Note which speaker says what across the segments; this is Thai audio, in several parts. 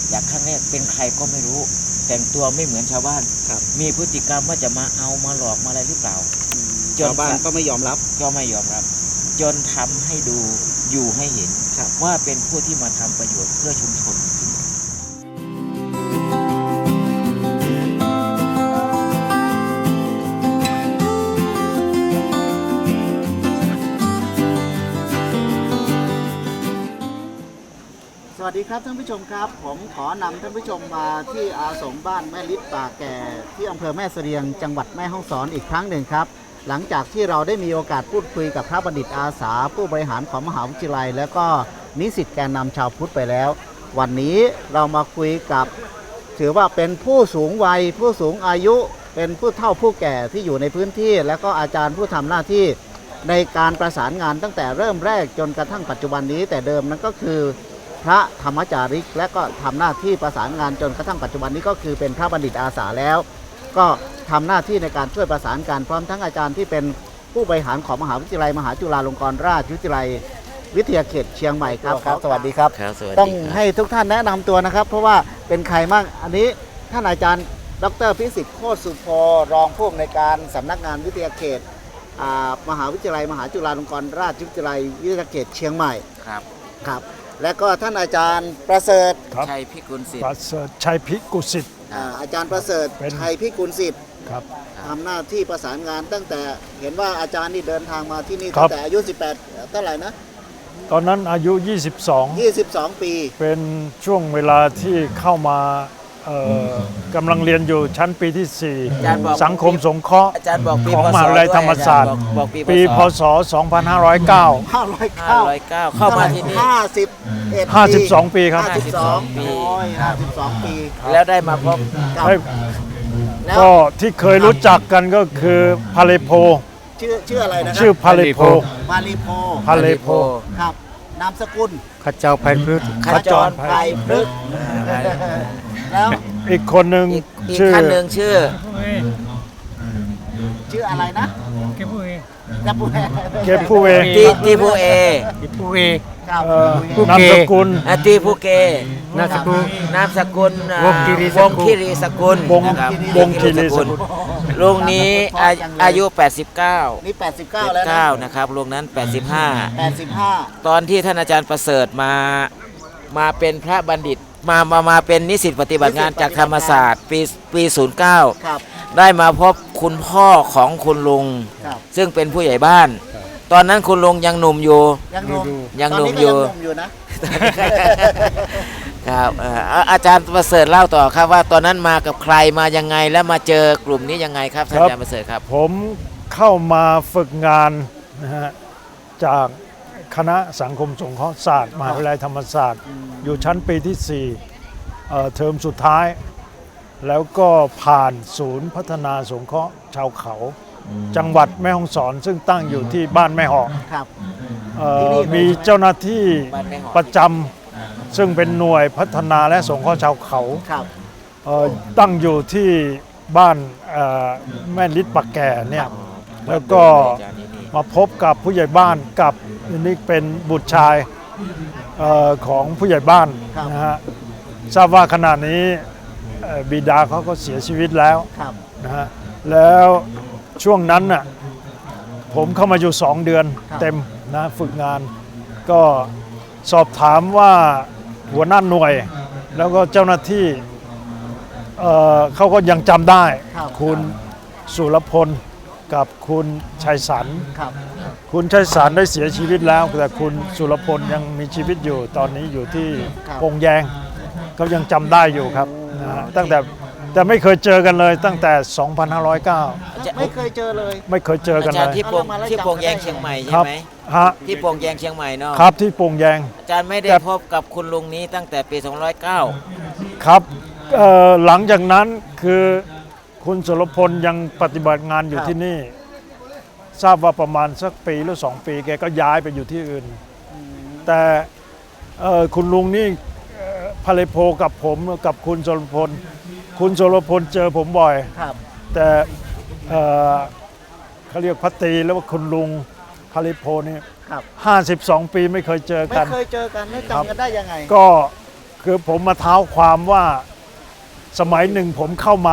Speaker 1: อยากครั้งแรกเป็นใครก็ไม่รู้ แต่งตัวไม่เหมือนชาวบ้านมีพฤติกรรมว่าจะมาเอามาหลอกมาอะไรหรือเปล่า
Speaker 2: ชาวบ้านก็ไม่ยอมรับ
Speaker 1: จนทำให้ดูอยู่ให้เห็นว่าเป็นผู้ที่มาทำประโยชน์เพื่อชุมชน
Speaker 2: สวัสดีครับท่านผู้ชมครับผมขอนำท่านผู้ชมมาที่อาสมบ้านแม่ลิศป่าแก่ที่อำเภอแม่เสรียงจังหวัดแม่ฮ่องสอนอีกครั้งหนึ่งครับหลังจากที่เราได้มีโอกาสพูดคุยกับพระบัณฑิตอาสาผู้บริหารของมหาวิทยาลัยและก็นิสิตแกนนำชาวพุทธไปแล้ววันนี้เรามาคุยกับถือว่าเป็นผู้สูงวัยผู้สูงอายุเป็นผู้เฒ่าผู้แก่ที่อยู่ในพื้นที่และก็อาจารย์ผู้ทำหน้าที่ในการประสานงานตั้งแต่เริ่มแรกจนกระทั่งปัจจุบันนี้แต่เดิมนั้นก็คือพระธรรมจาริกและก็ทำหน้าที่ประสานงานจนกระทั่งปัจจุบันนี้ก็คือเป็นพระบัณฑิตอาสาแล้วก็ทำหน้าที่ในการช่วยประสานการพร้อมทั้งอาจารย์ที่เป็นผู้บริหารของมหาวิทยาลัยมหาจุฬาลงกรณราชวิทยาลัยวิทยาเขตเชียงใหม่ครับสวัสดีครับต้องให้ทุกท่านแนะนำตัวนะครับเพราะว่าเป็นใครบ้างอันนี้ท่านอาจารย์ดร.พิสิทธิ์โคตรสุโภรองผู้อำนวยการสำนักงานวิทยาเขตมหาวิทยาลัยมหาจุฬาลงกรณราชวิทยาลัยวิทยาเขตเชียงใหม่ครับและก็ท่านอาจารย์ประเสริฐ
Speaker 1: ชัยพิกุลสิทธิ์
Speaker 3: ชัยพิกุลสิทธิ์
Speaker 2: อาจารย์ประเสริฐชัยพิกุลสิทธิ์
Speaker 3: ครับ
Speaker 2: ทำหน้าที่ประสานงานตั้งแต่เห็นว่าอาจารย์นี่เดินทางมาที่นี่ตั้งแต่อายุ18เท่าไหร่นะ
Speaker 3: ตอนนั้นอายุ
Speaker 2: 22ปี
Speaker 3: เป็นช่วงเวลาที่เข้ามากำลังเรียนอยู่ชั้นปีที่ 4 สังคมสงเคราะห์ของมหาวิทยาลัยธรรมศาสตร์ปีพศ2509
Speaker 1: เข้ามาที่นี่
Speaker 3: 52 ปีครับ
Speaker 2: 52 ปี
Speaker 1: แล้วได้มาพบ
Speaker 3: ก็ที่เคยรู้จักกันก็คือพาเลโพ
Speaker 2: ชื่ออะไรนะ
Speaker 3: ชื่อพาเลโพ
Speaker 2: ครับนามสกุล
Speaker 3: ขจรไพพฤกษ์
Speaker 2: ขจรไพพฤกษ์แล้ว
Speaker 3: อีกคนหนึ่ง
Speaker 1: ชื่อ
Speaker 2: อะไรนะ
Speaker 3: เก็บผู้เอ
Speaker 1: ตีผู้เอ
Speaker 3: นามสกุล
Speaker 1: ตีผู้เกนามสกุลวงคีรีสกุลลุงนี้อายุ89
Speaker 2: นี่89แล้ว
Speaker 1: นะครับลุงนั้น85ตอนที่ท่านอาจารย์ประเสริฐมาเป็นพระบัณฑิตมาเป็นนิสิตปฏิบัติงานจากธรรมศาสตร์ปี09ได้มาพบคุณพ่อของคุณลุงซึ่งเป็นผู้ใหญ่บ้านตอนนั้นคุณลุงยังหนุ่มอยู่นะครับอาจารย์ประเสริฐเล่าต่อครับว่าตอนนั้นมากับใครมายังไงและมาเจอกลุ่มนี้ยังไงครับท่านอาจารย์ประเสริฐครับ
Speaker 3: ผมเข้ามาฝึกงานนะฮะจากคณะสังคมสงเคราะห์ศาสตร์มหาวิทยาลัยธรรมศาสตร์อยู่ชั้นปีที่4เทอมสุดท้ายแล้วก็ผ่านศูนย์พัฒนาสงเคราะห์ชาวเขาจังหวัดแม่ฮ่องสอนซึ่งตั้งอยู่ที่บ้านแม่หอกมีเจ้าหน้าที่ประจำซึ่งเป็นหน่วยพัฒนาและสงเคราะห์ชาวเขาตั้งอยู่ที่บ้านแม่ลิศป่าแก่เนี่ยแล้วก็มาพบกับผู้ใหญ่บ้านกับนี่เป็นบุตรชายของผู้ใหญ่บ้านนะฮะทราบว่าขณะนี้บิดาเขาก็เสียชีวิตแล้วนะฮะแล้วช่วงนั้นน่ะผมเข้ามาอยู่2 เดือนเต็มนะฝึกงานก็สอบถามว่าหัวหน้าหน่วยแล้วก็เจ้าหน้าที่เขาก็ยังจำได้คุณสุรพลกับคุณชัยสรรคุณชัยสรรได้เสียชีวิตแล้วแต่คุณสุรพลยังมีชีวิตอยู่ตอนนี้อยู่ที่ปงแยงก็ยังจำได้อยู่ครับนะตั้งแต่ไม่เคยเจอกันเลยตั้งแต่2509
Speaker 2: ไม่เคยเจอเลย
Speaker 1: อาจารย์ที่ปงแยงเชียงใหม่ใช่ไหมที่ปงแยงเชียงใหม่เนาะ
Speaker 3: ครับที่ปงแยง
Speaker 1: อาจารย์ไม่ได้พบกับคุณลุงนี้ตั้งแต่ปี2509
Speaker 3: ครับหลังจากนั้นคือคุณสุรพลยังปฏิบัติงานอยู่ที่นี่ทราบว่าประมาณสักปีหรือ2 ปีแกก็ย้ายไปอยู่ที่อื่นแต่คุณลุงนี่พาเลโพกับผมกับคุณสุรพลเจอผมบ่อยแต่เขาเรียกพัตตีแล้วว่าคุณลุงพาเลโพนี่52 ปีไม่เคยเจอกัน
Speaker 2: แล้วจำกันได้ยังไง
Speaker 3: ก็คือผมมาเท้าความว่าสมัยหนึ่งผมเข้ามา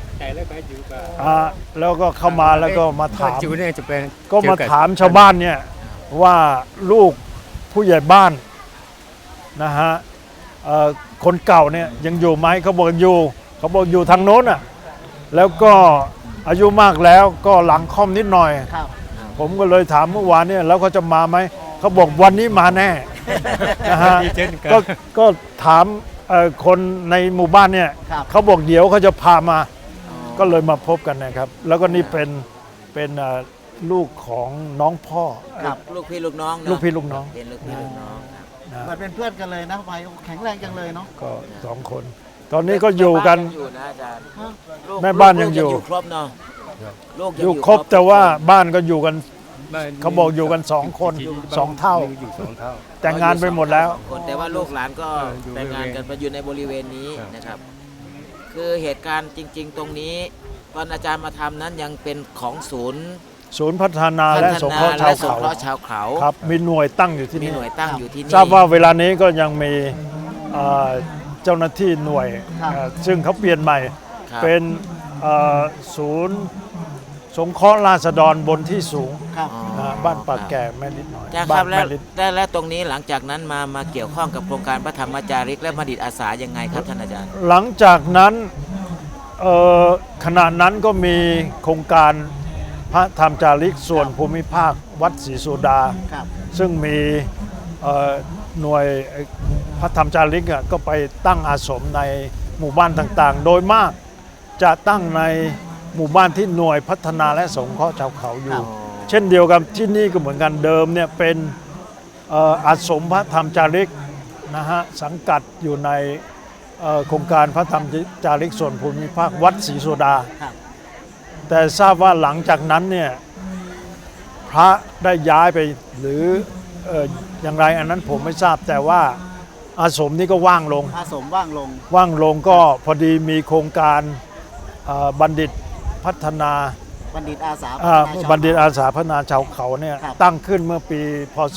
Speaker 3: แล้วก็เข้ามาแล้วก็มาถามก็มาถามชาวบ้านเนี่ยว่าลูกผู้ใหญ่บ้านนะฮะคนเก่าเนี่ยยังอยู่ไหมเขาบอกอยู่เขาบอกอยู่ทางโน้นอ่ะแล้วก็อายุมากแล้วก็หลังค่อมนิดหน่อย
Speaker 2: ครับ
Speaker 3: ผมก็เลยถามเมื่อวานเนี่ยแล้วเขาจะมาไหมเขาบอกวันนี้มาแน่ นะฮะก็ถามคนในหมู่บ้านเนี่ย
Speaker 2: ครับ
Speaker 3: เขาบอกเดี๋ยวเขาจะพามา ก็เลยมาพบกันนะครับ แล้วก็นี่เป็นลูกของน้องพ่อ
Speaker 2: ครับ
Speaker 1: ลูกพี่ลูกน้องเนอะ
Speaker 3: ลูกพี่ลูกน้อง
Speaker 1: เป็นลูกพี่ลูกน้องครับ
Speaker 3: นะ
Speaker 2: เหมือนเป็นเพื่อนกันเลยนะไปแข็งแรงจังเลยเนาะ
Speaker 3: ก็สองคน ตอนนี้ก็อยู่กัน
Speaker 1: แม่บ้ายังอยู่นะอาจารย์
Speaker 2: ฮะ
Speaker 1: ลูก
Speaker 3: แม่บ้านยังอยู่
Speaker 1: ครบเนาะลูกง
Speaker 3: อยู่ครบแต่ว่าบ้านก็อยู่กันเขาบอกอยู่กันสองคนสองเท่า
Speaker 4: อยู่2 เท่า
Speaker 3: แต่งงานไปหมดแล้ว
Speaker 1: คนแต่ว่าลูกหลานก็
Speaker 4: อยู่
Speaker 1: แต่งงานกัน
Speaker 4: บริเวณ
Speaker 1: ไปอยู่ในบริเวณนี้
Speaker 4: ครับ
Speaker 1: นะครับ คือเหตุการณ์จริง ๆ ตรงนี้ตอนอาจารย์มาทำนั้นยังเป็นของศูนย์
Speaker 3: ศูนย์พัฒนา
Speaker 1: พั
Speaker 3: และ
Speaker 1: ฒ
Speaker 3: สง
Speaker 1: นา
Speaker 3: เคราะห์
Speaker 1: และ
Speaker 3: ชาว
Speaker 1: สง
Speaker 3: เขา
Speaker 1: เคราะห์ชาวเขา
Speaker 3: ครับมีหน่วยตั้งอยู่ที่
Speaker 1: มี
Speaker 3: นี่
Speaker 1: หน่วยตั้งอยู่ที่นี่
Speaker 3: ทราบว่าเวลานี้ก็ยังมีเจ้าหน้าที่หน่วย
Speaker 2: ครับ
Speaker 3: ซึ่งเขาเปลี่ยนใหม่
Speaker 1: ครับ
Speaker 3: เป็นศูนย์สงเคราะห์ราษฎรบนที่สูง
Speaker 2: ครับ
Speaker 3: บ้านปากแก่แม่นิดหน่อย
Speaker 1: อาจารย์ค
Speaker 3: บ้า
Speaker 1: รั
Speaker 3: น
Speaker 1: บแล้ว
Speaker 3: แม่นิด
Speaker 1: และตรงนี้หลังจากนั้นมาเกี่ยวข้องกับโครงการพระธรรมจาริกและบัณฑิตอาสายังไงครับท่านอาจารย์
Speaker 3: หลังจากนั้นขณะนั้นก็มีโครงการพระธรรมจาริกส่วนภูมิภาควัดศรีสุดา
Speaker 2: ครับ
Speaker 3: ซึ่งมีหน่วยพระธรรมจาริกก็ไปตั้งอาสมในหมู่บ้านต่างๆ โดยมากจะตั้งในหมู่บ้านที่หน่วยพัฒนาและสงเคราะห์ชาวเขาอยู่ เช่นเดียวกับที่นี่ก็เหมือนกันเดิมเนี่ยเป็นอาสมพระธรรมจาริกนะฮะสังกัดอยู่ในโครงการพระธรรมจาริกส่วนภูมิภาควัดศรีสุดา
Speaker 2: ครับ
Speaker 3: แต่ทราบว่าหลังจากนั้นเนี่ยพระได้ย้ายไปหรืออย่างไรอันนั้นผมไม่ทราบแต่ว่าอาสมนี้ก็ว่างลง
Speaker 2: อาสมว่างลง
Speaker 3: ว่างลงก็พอดีมีโครงการบัณฑิตพัฒนา
Speaker 2: บัณฑิตอาสา
Speaker 3: บัณฑิตอาสาพัฒนาชาวเขาเนี่ย
Speaker 2: ครับ
Speaker 3: ตั้งขึ้นเมื่อปีพศ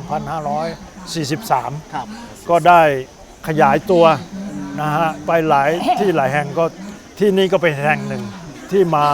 Speaker 3: 2543
Speaker 2: ครับ
Speaker 3: ก็ได้ขยายตัวนะฮะไปหลายที่หลายแห่งก็ที่นี่ก็เป็นแห่งหนึ่งที่มา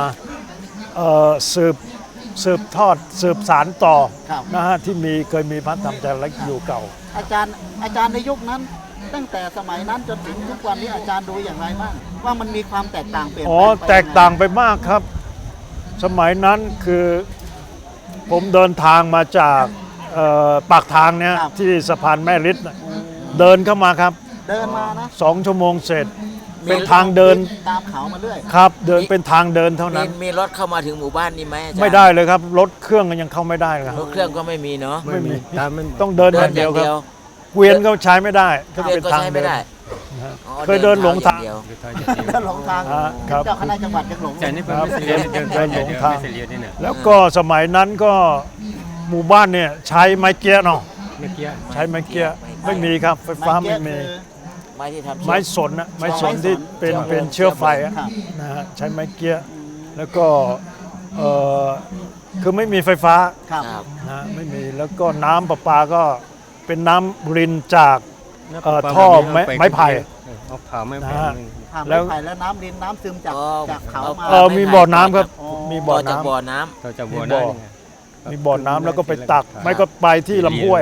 Speaker 3: สืบทอดสืบสารต่อ
Speaker 2: ครับ
Speaker 3: นะฮะที่เคยมีพระธรรมจาริกอยู่เก่า
Speaker 2: อาจารย์ในยุคนั้น ตั้งแต่สมัยนั้นจนถึงทุกวันนี้อาจารย์ดูอย่างไรบ้างว่ามันมีความแตกต่างเปลี่ยน
Speaker 3: อ๋อ
Speaker 2: แปลงไป
Speaker 3: แตกต่างไปมากครับ สมัยนั้นคือผมเดินทางมาจากปากทางเนี่ยที่สะพานแม่ริดน่ะเดินเข้ามาครับ
Speaker 2: เดินมานะ
Speaker 3: 2 ชั่วโมงเสร็จ เป็นทางเดิน
Speaker 2: ตามเขามาเรื่อย
Speaker 3: ครับ เดินเป็นทางเดินเท่านั้น
Speaker 1: มีรถเข้ามาถึงหมู่บ้านนี้ไหมอาจารย์
Speaker 3: ไม่ได้เลยครับ รถเครื่องก็ยังเข้าไม่ได้เลยครับ
Speaker 1: รถเครื่องก็ไม่มีเนาะ
Speaker 3: ไม่มี
Speaker 4: ตามมัน
Speaker 3: ต้องเดินอย่างเดียวครับเกวียนก็ใช้ไม่ได้ก็
Speaker 1: เดิน
Speaker 3: เป็น
Speaker 1: ก็
Speaker 3: ทาง
Speaker 1: ใช้
Speaker 3: เดิ
Speaker 1: ไม่
Speaker 3: น
Speaker 1: ได้
Speaker 3: นะฮะ
Speaker 1: อ๋อ
Speaker 3: เคยเดินหลงทาง
Speaker 1: เดินเท้อย่เดียว
Speaker 2: เดินหลงทาง
Speaker 3: ครับ
Speaker 2: เจ้าคณะจังหวัดยังหลง
Speaker 4: แต่นี่เป็น
Speaker 3: ครับ
Speaker 4: ไม่เสียเดิน
Speaker 3: เดินหลงทาง
Speaker 4: ไม่เสียนี่นะ
Speaker 3: แล้วก็สมัยนั้นก็หมู่บ้านเนี่ยใช้ไม้เกี้ยเนาะ
Speaker 4: เมื่อกี้
Speaker 3: ใช้ไม้เกี้ยไม่มีครับไฟฟ้าไม่มี
Speaker 1: ไม้ที่ทำ
Speaker 3: ไม้สนนะไม้สนที่เป็นเชื้อไฟอะ
Speaker 2: ครับ
Speaker 3: นะฮะใช้ไม้เกี้ยแล้วก็คือไม่มีไฟฟ้า
Speaker 2: ครับ
Speaker 1: ครับ
Speaker 3: นะไม่มีแล้วก็น้ำประปาก็เป็นน้ำรินจาก ท่อไม้ไผ่
Speaker 4: เอาผ่าไม้ไผ่
Speaker 3: นะฮะ
Speaker 2: ผ่าน
Speaker 3: แล้
Speaker 2: ไม้
Speaker 3: ว
Speaker 2: ไผ่แล้วน้ำดินน้ำซึมจากเขามา
Speaker 3: มีบ่อน้ำครับ
Speaker 2: อ๋อ
Speaker 3: มี
Speaker 1: บ่
Speaker 3: บ่
Speaker 1: อ
Speaker 3: อ
Speaker 1: จาก
Speaker 3: น้ำ
Speaker 1: บ่อน้ำ
Speaker 4: เราจะบัว
Speaker 3: มี
Speaker 4: ได้
Speaker 3: บ่อ
Speaker 4: ไง
Speaker 3: มีบ่อน้ำแล้วก็ไปตัก ไม่ก็ไปที่ลำห้วย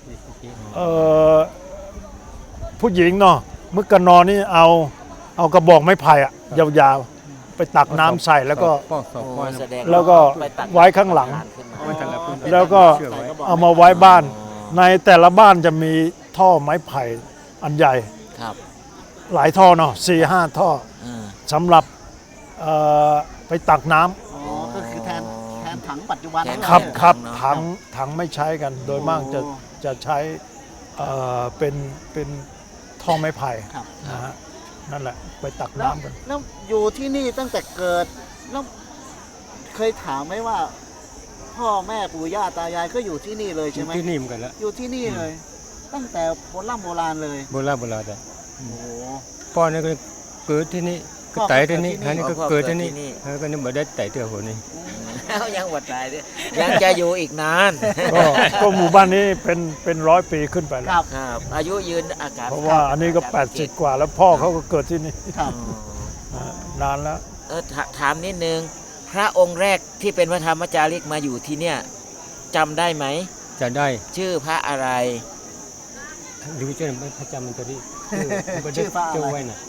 Speaker 3: ผู้หญิงเนาะมึกกะนอนี่เอากระบอกไม้ไผ่อะยาวๆ ไปตักน้ำใส่แล้วก็
Speaker 4: ป้อสอบป้อ
Speaker 1: แสดง
Speaker 3: แล้วก็
Speaker 1: ไปตั
Speaker 3: ไว้ข้างหลัง
Speaker 1: ขึ้นมา
Speaker 4: มันแต่ละพื้น
Speaker 3: แล้วก็
Speaker 4: เชื่อไว้
Speaker 3: เอามาไว้บ้าน ในแต่ละบ้านจะมีท่อไม้ไผ่อันใหญ่
Speaker 1: ครับ
Speaker 3: หลายท่อเนาะ4-5 ท่อ
Speaker 1: อ่า
Speaker 3: สำหรับไปตักน้ำ
Speaker 2: อ๋อก็คือแทนถังปัจจุบัน
Speaker 3: ครับ
Speaker 2: เลย
Speaker 3: ครับ
Speaker 1: เนอะ
Speaker 3: ถังไม่ใช้กัน โดยมากจะใช้เป็นท่อไม้ไผ่
Speaker 2: ครับ
Speaker 3: นะฮะนั่นแหละไปตัก
Speaker 2: แล้ว
Speaker 3: น้ำกัน
Speaker 2: แล้วอยู่ที่นี่ตั้งแต่เกิดแล้วเคยถามไหมว่า พ่อแม่ปู่ย่าตายายก็อยู่ที่นี่เลยใช่ไหม
Speaker 4: ที่นี่เหมือนกันแล้ว
Speaker 2: อยู่ที่นี่เลย ตั้งแต่โบราณเลย
Speaker 4: โบราณแต่
Speaker 2: โอ้โห
Speaker 4: พ่อนี่ก็เกิดที่นี่ก็ไต่ที่นี่
Speaker 2: พ่อก็เกิดที่นี่
Speaker 4: อันนี้ก็เกิดที่นี่แล้วก็นี่มาได้ไต่เตือหัวนี่
Speaker 1: แล้วยังหมดตายด้วยยังจะอยู่อีกนาน
Speaker 3: ก็หมู่บ้านนี้เป็น100 ปีขึ้นไปแล้
Speaker 2: ครั
Speaker 3: ว
Speaker 2: บ
Speaker 1: ครับอายุยืนอากาศ
Speaker 3: เพราะว่าอันนี้ก็80 กว่าแล้วพ่อเขาก็เกิดที่นี่
Speaker 2: ครับ
Speaker 3: นานแล้ว
Speaker 1: ถามนิดนึงพระองค์แรกที่เป็นพระธรรมจาริกมาอยู่ที่เนี่ยจำได้ไหม
Speaker 4: จะได้
Speaker 1: ชื่อพระอะไร
Speaker 4: หรือจะไม่พระจำมันจะได้
Speaker 2: ชื่อพระอะไร
Speaker 4: เจ้าไว้น่ะ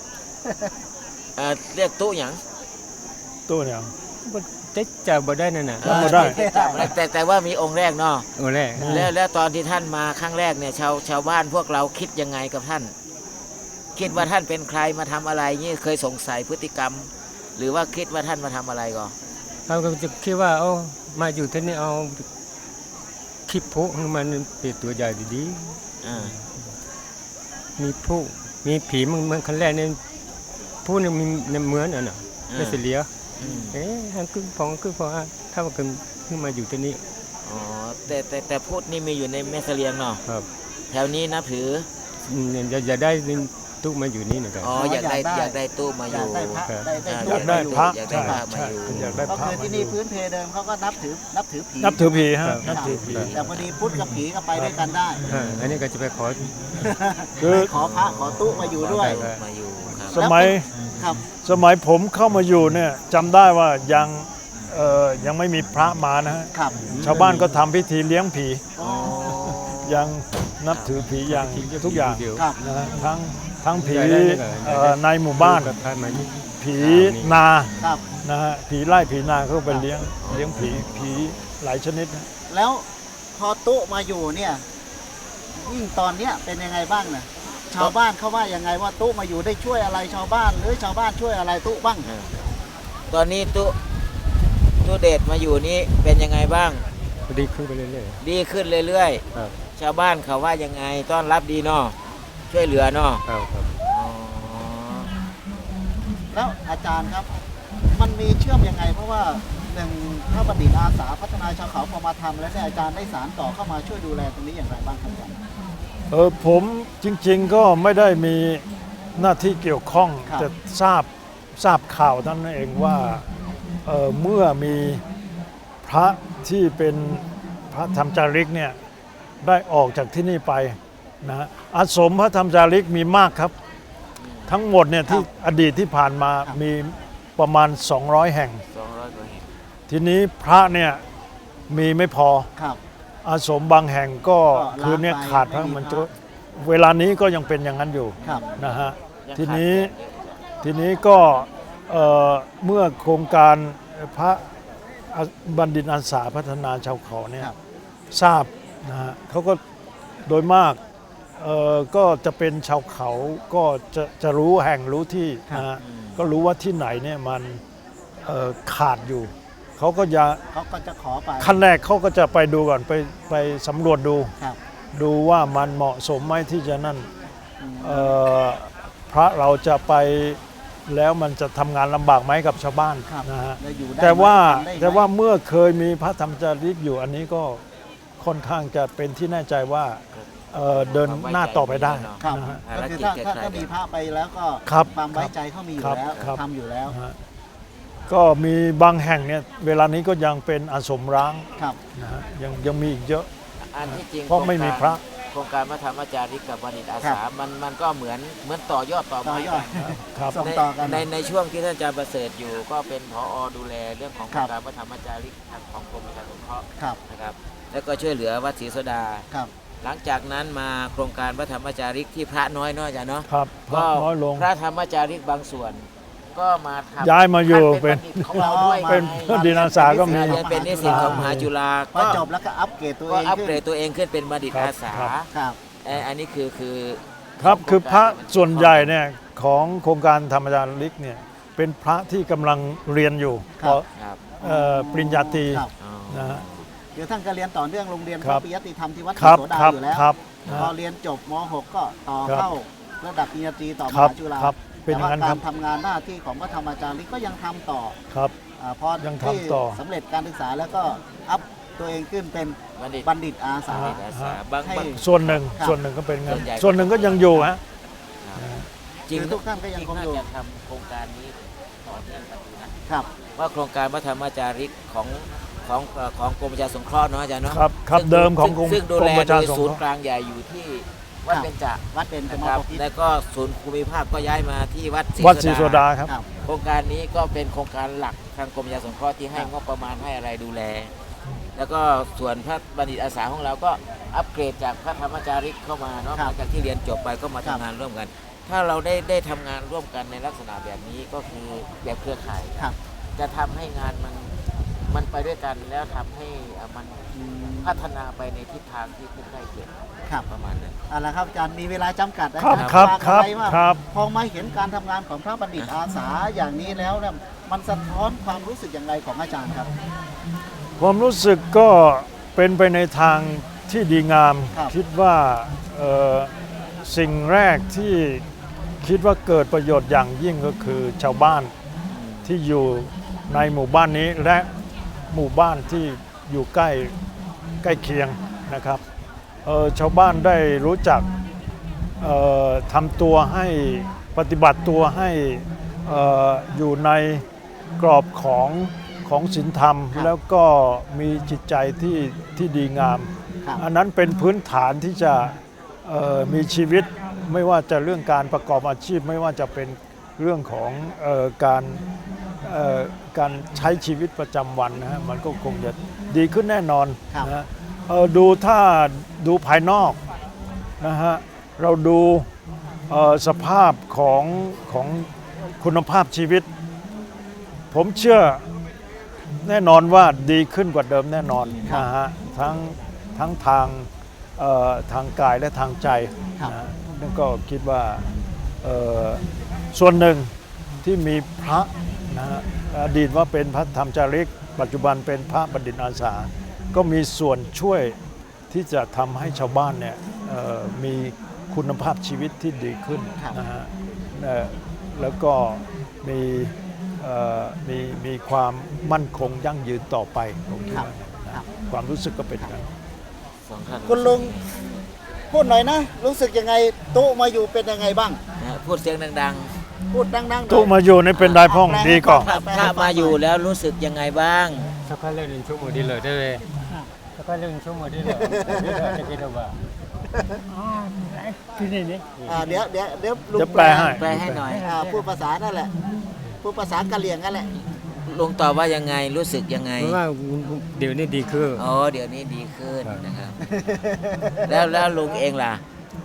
Speaker 1: เรียกตู้หยัง
Speaker 3: ตัวเนี่ย
Speaker 4: บ่ได้จะบ่ได้นั่นน่ะ
Speaker 3: จำบ่ได้
Speaker 1: แต่ว่ามีองค์แรกเนาะ
Speaker 4: โอ้แรก
Speaker 1: แล้วตอนที่ท่านมาครั้งแรกเนี่ยชาวบ้านพวกเราคิดยังไงกับท่าน คิดว่าท่านเป็นใครมาทำอะไรนี่เคยสงสัยพฤติกรรม หรือว่าคิดว่าท่านมาทำอะไรก่อน
Speaker 4: เขาก็จะคิดว่าเอามาอยู่ที่นี่เอาคลิปพุให้มันเป็นตัวใหญ่ดี
Speaker 1: อ่า
Speaker 4: ๆมีผู้มีผีมันคันแรกเนี่ยผู้นึงมีเหมือนอันน่ะไม่เสียเหลีย
Speaker 1: อืม
Speaker 4: ทางคือพอถ้าว่าขึ้นมาอยู่ที่นี่
Speaker 1: อ๋อแต่พูดนี่มีอยู่ในแม่เสลียงเนาะ
Speaker 4: ครับ
Speaker 1: แถวนี้นับถือ
Speaker 4: อย่าได้ตู้มาอยู่นี่นะครับ
Speaker 1: อ๋ออยากได้ตู้มาอ
Speaker 2: อยาก
Speaker 1: ยู่
Speaker 2: ได้พระ
Speaker 4: ครับ
Speaker 2: ได้
Speaker 3: อยากได้พระ
Speaker 1: อยากได้
Speaker 3: ใช่
Speaker 1: พระมา
Speaker 3: ใช่
Speaker 1: อยู่
Speaker 3: อยากได้
Speaker 2: ก็
Speaker 3: พระ
Speaker 2: คือ
Speaker 3: มา
Speaker 2: ที่
Speaker 3: อ
Speaker 2: นี่
Speaker 3: ยู่
Speaker 2: พื้นเพเดิมเขาก็นับถือผี
Speaker 3: นับถือผีฮะ
Speaker 4: ครับ
Speaker 3: นับถือผี
Speaker 2: แต่พอดีพุทธกับผีก็ไปด้วยกันได้
Speaker 4: อันนี้ก็จะไปขอ
Speaker 3: คือ
Speaker 2: ขอพระขอตู้มาอยู่ด้วย
Speaker 1: มาอยู่ครับ
Speaker 3: สมัย
Speaker 2: ครับ
Speaker 3: สมัยผมเข้ามาอยู่เนี่ยจำได้ว่ายังไม่มีพระมานะฮะ
Speaker 2: ครับ
Speaker 3: ชาวบ้านก็ทำพิธีเลี้ยงผี
Speaker 2: อ๋อ
Speaker 3: ยังนับถือผีอย่างทุกอย่าง
Speaker 4: เดียว
Speaker 2: ครับ
Speaker 3: นะฮะทั้งผี
Speaker 4: ได้ได้ได้
Speaker 3: ในหมู่บ้าน
Speaker 4: กับท่านมานี่
Speaker 3: ผีนา
Speaker 2: ครับ
Speaker 3: นะฮะผีไล่ผีนาเขาไปเลี้ยงผีหลายชนิดนะ
Speaker 2: แล้วพอตู้มาอยู่เนี่ยยิ่งตอนเนี้ยเป็นยังไงบ้างนะชาวบ้านเขาว่ายังไงว่าตู้มาอยู่ได้ช่วยอะไรชาวบ้าน หรือชาวบ้านช่วยอะไรตู้บ้าง
Speaker 1: ตอนนี้ตู้เดชมาอยู่นี่เป็นยังไงบ้าง
Speaker 4: ดีขึ้นไปเรื่อย
Speaker 1: ดีขึ้นเรื่อย
Speaker 4: ๆครับ
Speaker 1: ๆ ชาวบ้านเขาว่ายังไงต้อนรับดีเนาะช่วยเหลือเนาะ
Speaker 4: ครับ
Speaker 1: อ๋อ
Speaker 2: แล้วอาจารย์ครับ มันมีเชื่อมยังไง เพราะว่าหนึ่งพระบัณฑิตอาสาพัฒนาชาวเขาพอมาทำแล้วเนี่ยอาจารย์ได้สารต่อเข้ามาช่วยดูแลตรงนี้อย่างไรบ้างครับอาจารย์
Speaker 3: ผมจริงๆก็ไม่ได้มีหน้าที่เกี่ยวข้อง
Speaker 2: ครับ
Speaker 3: แต่ทราบข่าวท่านนเองว่าเมื่อมีพระที่เป็นพระธรรมจาริกเนี่ยได้ออกจากที่นี่ไปนะฮะอาสมพระธรรมจาริกมีมากครับ ทั้งหมดเนี่ยที่อดีตที่ผ่านมามีประมาณ 200 แห่ง
Speaker 1: 200 กว่าแห่ง
Speaker 3: ทีนี้พระเนี่ยมีไม่พอ
Speaker 2: ครับ
Speaker 3: อาสมบางแห่งก็
Speaker 2: ก็
Speaker 3: คือเนี่ย
Speaker 2: ล้างไป
Speaker 3: ขาดพระ
Speaker 2: ไม่มี
Speaker 3: มัน
Speaker 2: พ
Speaker 3: จะ
Speaker 2: ระ
Speaker 3: เวลานี้ก็ยังเป็นอย่างนั้นอยู่
Speaker 2: ครับ
Speaker 3: นะฮะ
Speaker 1: ยัง
Speaker 3: ที
Speaker 1: ขาด
Speaker 3: นี้
Speaker 1: แคลนเยอะ
Speaker 3: ทีนี้ก็เมื่อโครงการพระบัณฑิตอาสาพัฒนาชาวเขาเนี่ย
Speaker 2: ครับ
Speaker 3: ทราบนะฮะเขาก็โดยมากก็จะเป็นชาวเขาก็จะรู้แห่งรู้ที่นะฮะก็รู้ว่าที่ไหนเนี่ยมันขาดอยู่เขาก็จะ
Speaker 2: เขาก็จะขอไป
Speaker 3: ขั้นแรกเขาก็จะไปดูก่อนไปสำรวจดู
Speaker 2: ครับ
Speaker 3: ดูว่ามันเหมาะสมไหมที่จะนั่น
Speaker 2: อืม
Speaker 3: พระเราจะไปแล้วมันจะทำงานลำบากไหมกับชาวบ้าน
Speaker 2: ครับ
Speaker 3: นะฮะ
Speaker 2: แล้วอยู่ได้
Speaker 3: แต่ว่า
Speaker 2: ไหมทำได้ไหม
Speaker 3: แต่ว่าเมื่อเคยมีพระธรรมจาริกอยู่อันนี้ก็ค่อนข้างจะเป็นที่แน่ใจว่าเดินหน้าต่อไปได้
Speaker 2: ครับ
Speaker 3: นะฮะ
Speaker 2: ก็คือถ้ามีพระไปแล้วก็
Speaker 3: ครับ
Speaker 2: ความไว้ใจเขามีอยู่แล้ว
Speaker 3: ครับ
Speaker 2: ทำอยู่แล้ว
Speaker 3: นะฮะก็มีบางแห่งเนี่ยเวลานี้ก็ยังเป็นอาสมร้าง
Speaker 2: ครับ
Speaker 3: นะฮะยังมีอีกเยอะ
Speaker 1: อันที่จริง
Speaker 3: เพราะไม่มีพระ
Speaker 1: โครงการพระธรรมจาริกกับบัณฑิตอาสามันก็เหมือนต่อยอดต่อ
Speaker 2: ต่อ
Speaker 1: ไม้
Speaker 2: ยอด
Speaker 3: ครับ
Speaker 2: ส่งต่อกัน
Speaker 1: ในช่วงที่ท่านอาจารย์ประเสริฐอยู่ ก็เป็นผอดูแลเรื่องของโค
Speaker 2: ครั
Speaker 1: ร
Speaker 2: บ
Speaker 1: งการพระธรรมจาริกของกรมประชาสงเคราะห์
Speaker 2: ครับ
Speaker 1: นะครับ แล้วก็ช่วยเหลือวัดศรีโสดา
Speaker 2: ครับ
Speaker 1: หลังจากนั้นมาโครงการพระธรรมจาริกที่พระน้อยๆจ้ะเนาะ
Speaker 3: ครับพระ
Speaker 1: ก็
Speaker 3: น้อยลง
Speaker 1: พระธรรมจาริกบางส่วน ก็มาทำ
Speaker 3: ย้ายมาอยู่
Speaker 1: ท่านเป็นบัณฑิตของเราด้วย
Speaker 3: เป็น
Speaker 1: ไง
Speaker 3: บัณฑิตอาสาก็มี
Speaker 1: เรียนเป็นนิสิตของมหาจุฬา
Speaker 2: พอจบแล้วก็อัปเกรดตัวเอ
Speaker 1: ก็
Speaker 2: ง
Speaker 1: อัป
Speaker 2: ขึ้น
Speaker 1: เกรดตัวเองขึ้นเป็นบัณฑิต
Speaker 3: ครับ
Speaker 1: อาสา
Speaker 3: ครับ
Speaker 2: ครับ
Speaker 1: อันนี้คือ
Speaker 3: ครับคือพระส่วนใหญ่เนี่ยของโครงการธรรมจาริกเนี่ยเป็นพระที่กำลังเรียนอยู่
Speaker 2: ครับ
Speaker 1: ครับ
Speaker 3: ปริญญาตรี
Speaker 2: ครับ
Speaker 1: อ๋อ
Speaker 3: นะฮะ
Speaker 2: เดี๋ยวท่านก็เรียนต่อเนื่องโรงเรียนพ
Speaker 3: ครั
Speaker 2: ระ
Speaker 3: บ
Speaker 2: ปิยติธรรมที่วัดศ
Speaker 3: ค
Speaker 2: รี
Speaker 3: รับ
Speaker 2: โสดา
Speaker 3: ครับ
Speaker 2: อยู่แล้ว
Speaker 3: ครับ
Speaker 2: พอเรียนจบม .6 ก็ต่อ
Speaker 3: ครับ
Speaker 2: เข้าระดับปริญญาตรีต่อม
Speaker 3: ครับ
Speaker 2: หาจุฬา
Speaker 3: ครับเป็นอย่างนั้น
Speaker 2: แต่
Speaker 3: ครั
Speaker 2: ว่า
Speaker 3: บ
Speaker 2: การทำงานหน้าที่ของพระธรรมจาริกก็ยังทำต่อ
Speaker 3: ครับ
Speaker 2: พอ
Speaker 3: ยัง
Speaker 2: ที่
Speaker 3: ทำต่อ
Speaker 2: สำเร็จการศึกษาแล้วก็อัพตัวเองขึ้นเป็น
Speaker 1: บัณฑิต
Speaker 2: บัณฑิตอาสา
Speaker 1: บัณฑิตอาสาบาง
Speaker 2: ให้
Speaker 3: ส่วนหนึ่ง
Speaker 2: ครับ
Speaker 3: ส่วนหนึ่งก็เป็นงั้น
Speaker 1: ส่วนใหญ่
Speaker 3: ส่วนหนึ่งก็ยังอยู่ฮะ
Speaker 1: จริง
Speaker 2: คือทุกท่านก็ยังคงอยู่
Speaker 1: น่าจะทำโครงการนี้ต่อเนื่องกันอยู่นะครับว่าโครงการพระธรรมจาริกของกรมประชาสงเคราะห์เนาะอาจารย์เนาะ
Speaker 3: ครับเดิมของกรม
Speaker 1: ซึ่งดู
Speaker 3: กร
Speaker 1: แล
Speaker 3: มประ
Speaker 1: โด
Speaker 3: ชาย สง
Speaker 1: ศูน
Speaker 3: เค
Speaker 1: ย์
Speaker 3: ราะห์
Speaker 1: กลางใหญ่อยู่ที่วัดเบญจ
Speaker 2: วัดเป็นจ
Speaker 1: นะ
Speaker 2: ม
Speaker 1: ครับ
Speaker 2: บพิตร
Speaker 1: แล้วก็ศูนย์ภูมิภาคก็ย้ายมาที่วัดศรี
Speaker 3: วัดศรีโสดาครับ
Speaker 2: ครับ
Speaker 1: โครงการนี้ก็เป็นโครงการหลักทางกรมประชาสงเคราะห์ที่ให้งบประมาณให้อะไรดูแล แล้วก็ส่วนพระบัณฑิตอาสาของเราก็อัปเกรดจากพระธรรมจาริกเข้ามาเนาะ
Speaker 2: ครั
Speaker 1: ห
Speaker 2: บ
Speaker 1: ลังจากที่เรียนจบไปก็มาทำงานร่วมกัน ถ้าเราได้ทำงานร่วมกันในลักษณะแบบนี้ก็คือแบบเครือข่าย
Speaker 2: ครับ
Speaker 1: จะทำให้งานมันไปด้วยกันแล้วทำให้มันพัฒนาไปในทิศทางที่ใกล้เคียง
Speaker 2: ครับ
Speaker 1: ประมาณนั้น
Speaker 2: เอาละครับอาจารย์มีเวลาจำกัดนะครับ
Speaker 3: ครับ
Speaker 2: ฝาก
Speaker 3: ครับ
Speaker 2: อะไรว่า
Speaker 3: ครับ
Speaker 2: พอมาเห็นการทำงานของพระบัณฑิตอาสาอย่างนี้แล้วเนี่ยมันสะท้อนความรู้สึกอย่างไรของอาจารย์ครับ
Speaker 3: ความรู้สึกก็เป็นไปในทางที่ดีงาม
Speaker 2: ครับ
Speaker 3: คิดว่าสิ่งแรกที่คิดว่าเกิดประโยชน์อย่างยิ่งก็คือชาวบ้านที่อยู่ในหมู่บ้านนี้และหมู่บ้านที่อยู่ใกล้เคียงนะครับชาวบ้านได้รู้จักทำตัวให้ปฏิบัติตัวให้อยู่ในกรอบของศีลธรรม
Speaker 2: ครับ
Speaker 3: แล้วก็มีจิตใจที่ดีงาม
Speaker 2: ครับ
Speaker 3: อันนั้นเป็นพื้นฐานที่จะมีชีวิตไม่ว่าจะเรื่องการประกอบอาชีพ ไม่ว่าจะเป็นเรื่องของการใช้ชีวิตประจำวันนะฮะมันก็คงจะดีขึ้นแน่นอน
Speaker 2: ครับ
Speaker 3: นะฮะถ้าดูภายนอกนะฮะเราดูสภาพของคุณภาพชีวิต ผมเชื่อแน่นอนว่าดีขึ้นกว่าเดิมแน่นอนนะฮะทั้งทางกายและทางใจ
Speaker 2: ครับ
Speaker 3: นะนั่นก็คิดว่าส่วนหนึ่งที่มีพระนะฮะอดีตว่าเป็นพระธรรมจาริก ปัจจุบันเป็นพระบัณฑิตอาสา ก็มีส่วนช่วยที่จะทำให้ชาวบ้านเนี่ยมีคุณภาพชีวิตที่ดีขึ้น
Speaker 2: ครับ
Speaker 3: นะฮะแล้วก็มีความมั่นคงยั่งยืนต่อไปผมคิดว่านะความรู้สึกก็เป็นอย่างนั้น
Speaker 1: สองท่าน
Speaker 2: คุณลุงพูดหน่อยนะ รู้สึกยังไงตู้มาอยู่เป็นยังไงบ้าง
Speaker 1: นะพูดเสียงดัง
Speaker 2: พูดดังๆหน่อย
Speaker 3: ตู้มาอยู่ในเป็นได้พ่องดีก่อน
Speaker 1: ๆพระมาอยู่แล้วรู้สึกยังไงบ้าง
Speaker 4: Sakalan cuma di luar deh. Sakalan cuma di luar. Ada kita bah. Sini ni.
Speaker 2: เดี๋ยวลุง
Speaker 3: จะแปลให้
Speaker 1: แปลให้หน่อย
Speaker 2: พูดภาษานั่นแหละ พูดภาษากะเหรี่ยงนั่นแหละ
Speaker 1: ลุงตอบว่ายังไงรู้สึกยังไง
Speaker 4: Memang dia ni di ke.
Speaker 1: อ๋อเดี๋ยวนี้ดีขึ้นนะครับ แล้วลุงเองล่ะ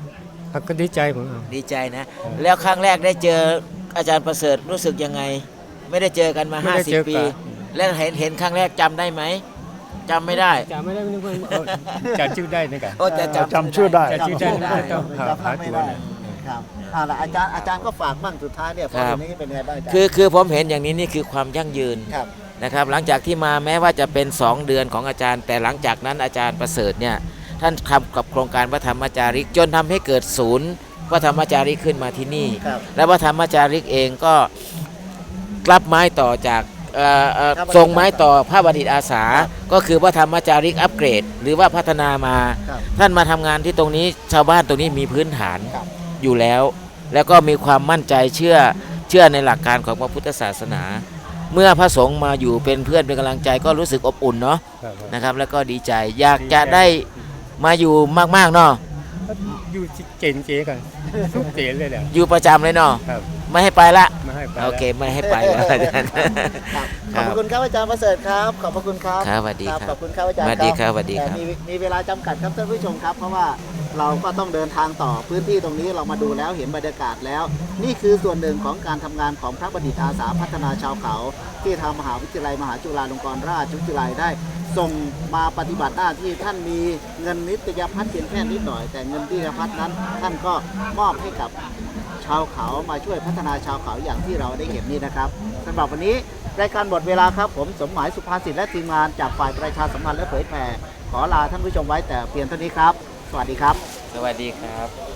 Speaker 4: Aku di cai pun.
Speaker 1: ดีใจนะ แล้วครั้งแรกได้เจออาจารย์ประเสริฐรู้สึกยังไง ไม่ได้เจอกันมา
Speaker 4: ไม่ได้เจอ
Speaker 1: 50 ปี
Speaker 4: กัน
Speaker 1: แล้วเห็นครั้งแรกจำได้ไหมจำไม่ได้
Speaker 4: Cak mana ni pun cakชื่อได้นี่กัน
Speaker 1: โอ้จะ
Speaker 3: จำชื่อได้
Speaker 4: จำชื่อได้
Speaker 2: จำไม่ได้ครับล่ะอาจารย์ก็ฝากบ้างสุดท้ายเนี่ยพอทีนี้เป็นยังไงบ้างอาจารย์
Speaker 1: คือผมเห็นอย่างนี้นี่คือความยั่งยืน
Speaker 2: ครับ
Speaker 1: นะครับหลังจากที่มาแม้ว่าจะเป็น 2 เดือนของอาจารย์ แต่หลังจากนั้นอาจารย์ประเสริฐเนี่ยท่านทำกับโครงการพระธรรมจาริกจนทำให้เกิดศูนย์พระธรรมจาริกขึ้นมาที่นี่
Speaker 2: ครับ
Speaker 1: และพระธรรมจาริกเองก็รับไม้ต่อจากส่งไม้ต่อพระบัณฑิตอาสา ก็คือพระธรรมจาริกอัปเกรด หรือว่าพัฒนามา
Speaker 2: ครับ
Speaker 1: ท่านมาทำงานที่ตรงนี้ชาวบ้านตรงนี้มีพื้นฐาน
Speaker 2: ครับ
Speaker 1: อยู่แล้ว แล้วก็มีความมั่นใจเชื่อในหลักการของพระพุทธศาสนา เมื่อพระสงฆ์มาอยู่เป็นเพื่อนเป็นกำลังใจก็รู้สึกอบอุ่นเนาะนะครับ แล้วก็ดีใจอยากจะได้มาอยู่มากๆเนาะ
Speaker 4: อยู่เจนเจกันทุกเจนเลยแหละ
Speaker 1: อยู่ประจำเลยเนาะ
Speaker 4: ครับ
Speaker 1: ไม่ให้ไปละ
Speaker 4: มาให้ไป
Speaker 1: โอเคไม่ให้ไปแล้วอาจารย์
Speaker 2: ครับขอบพระคุณครับอาจารย์ประเสริฐครับ ขอบพระคุณครับ
Speaker 1: ครับสวัสดีครับ
Speaker 2: ขอบคุณครับอาจารย์
Speaker 1: สวัสดีครับสวัสดีครับ
Speaker 2: แต่มีเวลาจำกัดครับท่านผู้ชมครับ เพราะว่าเราก็ต้องเดินทางต่อพื้นที่ตรงนี้เรามาดูแล้วเห็นบรรยากาศแล้ว นี่คือส่วนหนึ่งของการทำงานของพระบัณฑิตอาสาพัฒนาชาวเขา ที่ทางมหาวิทยาลัยมหาจุฬาลงกรณราชวิทยาลัยได้ส่งมาปฏิบัติหน้าที่ท่านมีเงินนิตยพัฒน์เพียงแค่นิดหน่อย แต่เงินนิตยพัฒน์นั้นท่านก็มอบให้กับชาวเขามาช่วยพัฒนาชาวเขาอย่างที่เราได้เห็นนี่นะครับสำหรับวันนี้รายการหมดเวลาครับผมสมหมายสุภาษิตและทีมงานจากฝ่ายประชาสัมพันธ์และเผยแผ่ขอลาท่านผู้ชมไว้แต่เพียงเท่านี้ครับ สวัสดีครับ
Speaker 1: สวัสดีครับ